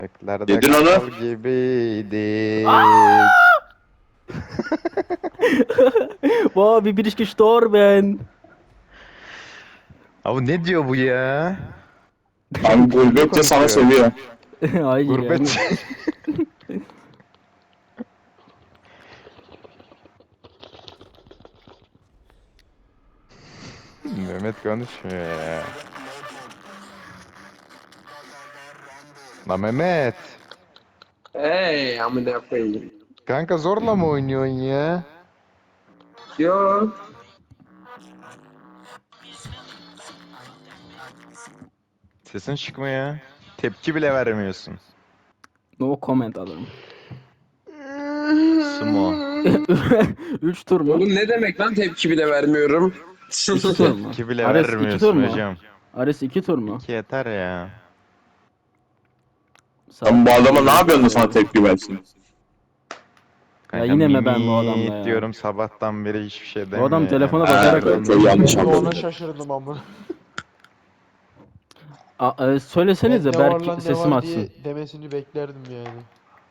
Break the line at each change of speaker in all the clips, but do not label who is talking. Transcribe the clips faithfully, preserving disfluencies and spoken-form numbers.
Göklerde
Yedin onu.
kal gibiydik.
Wow, wie bin ich gestorben?
Abi ne diyor bu ya?
Abi gurbetçe sana
konuşuyor.
sövüyor.
Hayır yani.
Gurbet. Mehmet konuşmuyor ya. La Mehmet.
Hey amına koyayım.
Kanka zorla mı oynuyorsun ya?
Yo.
Sesin çıkmıyor. Tepki bile vermiyorsun.
No comment alırım.
Sumo.
Üç tur mu?
Oğlum ne demek lan tepki bile vermiyorum.
İki tur mu?
Tepki bile
Ares iki tur
vermiyorsun
mu?
hocam.
Ares iki tur mu?
İki yeter ya.
Sen bu adama ne yapıyorsun da sana tepki versin?
Kanka
yine mi ben bu
mimik
adamla ya?
diyorum sabahtan beri hiçbir şey
Bu
demiyor.
adam telefona
ya.
bakarak
Evet, çok yanlış
Ben de ona
anladım.
şaşırdım amına.
A- e, söylesenize
Ne var
Berk
lan ne
sesim
var
açsın.
diye demesini beklerdim yani.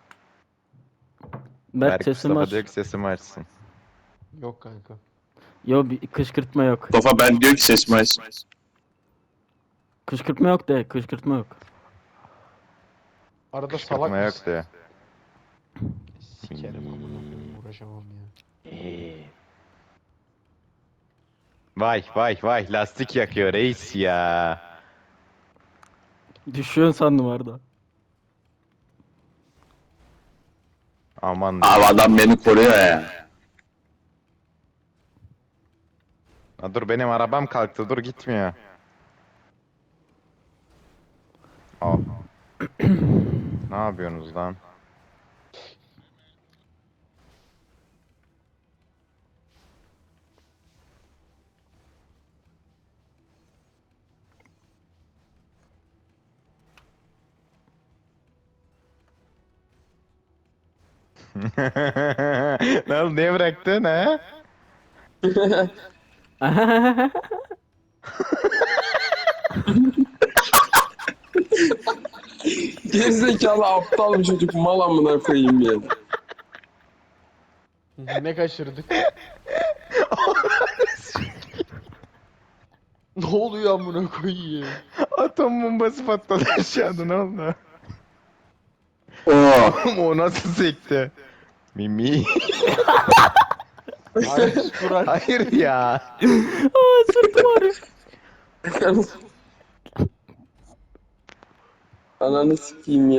Berk
Berk
sesim
Mustafa
aç.
diyor ki sesimi açsın.
Yok kanka.
Yo, bir kışkırtma yok.
Mustafa ben diyor ki sesimi aç.
Kışkırtma yok de, kışkırtma yok.
Arada salak
Kışkırtma yok
mısın?
diyor.
Sikerim amına koyayım, uğraşamam ya.
Vay vay vay lastik yakıyor reis ya.
Düşüyorsun sandım orada.
Aman
Abi adam beni koruyor ya.
Ha, dur benim arabam kalktı dur gitmiyor. Al. Ne yapıyorsunuz lan? Ne oldu niye bıraktın ha?
Gerizekalı aptal bir çocuk mal amına koyayım ya.
Ne kaçırdık? Ne oluyor amına koyayım?
Atom bombası patladı aşağıda ne oldu?
Oo.
O nasıl sekti? Mimi.
Ares Kural.
Hayır ya.
Aa, sırtım ağrıyor.
Ananı sikeyim ya.